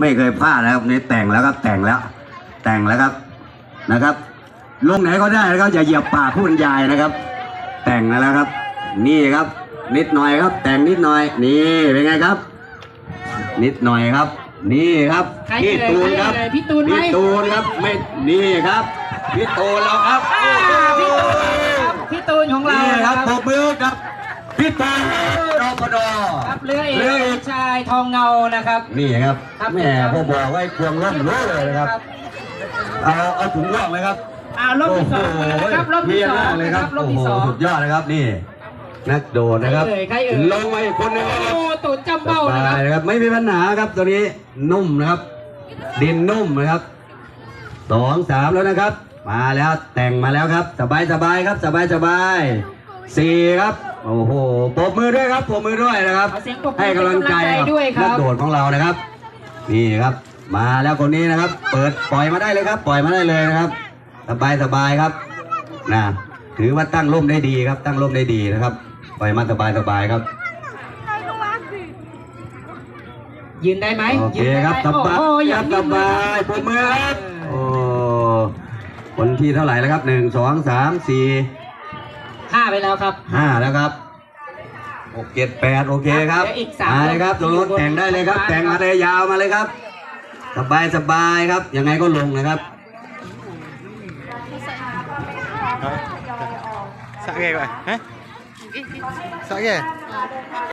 ไม่เคยพลาดนะครับนี่แต่งแล้วครับแต่งแล้วครับนะครับลงไหนก็ได้นะครับอย่าเหยียบปากผู้บรรยายนะครับ แต่งแล้วครับนี่ครับนิดหน่อยครับ แต่งนิดหน่อยนี่เป็นไงครับ นิดหน่อยครับนี่ครับพี่ตูนครับพี่ตูนครับไม่นี่ครับพี่ตูนเราครับพี่ตูนของเรานี่ครับปรบมือกับพี่ตูนรปดครับเรือเอกชายทองเงานะครับนี่ครับแม่พ่อบอกไว้ควงร่มรู้เลยนะครับเอาถุงร่องเลยครับรอบที่สองนะครับรอบที่สองเลยครับโอ้โหสุดยอดนะครับนี่นักโดดนะครับลงมาอีกคนนึงโอ้ตูดจำเบ้านะครับไม่มีปัญหาครับตัวนี้นุ่มนะครับดินนุ่มนะครับ2 3แล้วนะครับมาแล้วแต่งมาแล้วครับสบายครับสบาย4ครับโอ้โหปรบมือด้วยครับปรบมือด้วยนะครับให้กำลังใจนักโดดของเรานะครับนี่ครับมาแล้วคนนี้นะครับเปิดปล่อยมาได้เลยครับปล่อยมาได้เลยนะครับสบายครับนะถือว่าตั้งร่มได้ดีครับตั้งร่มได้ดีนะครับปล่อยมาสบายครับยืนได้ไหมโอเคครับสบายปรบมือครับโอ้คนที่เท่าไหร่แล้วครับ1 2 3 4 5ไปแล้วครับ 5แล้วครับ6 7 8โอเคครับมาเลยครับตัวรถแต่งได้เลยครับแต่งมาเลยยาวมาเลยครับสบายครับยังไงก็ลงนะครับ Sợ ghê vậy hả? Sợ ghê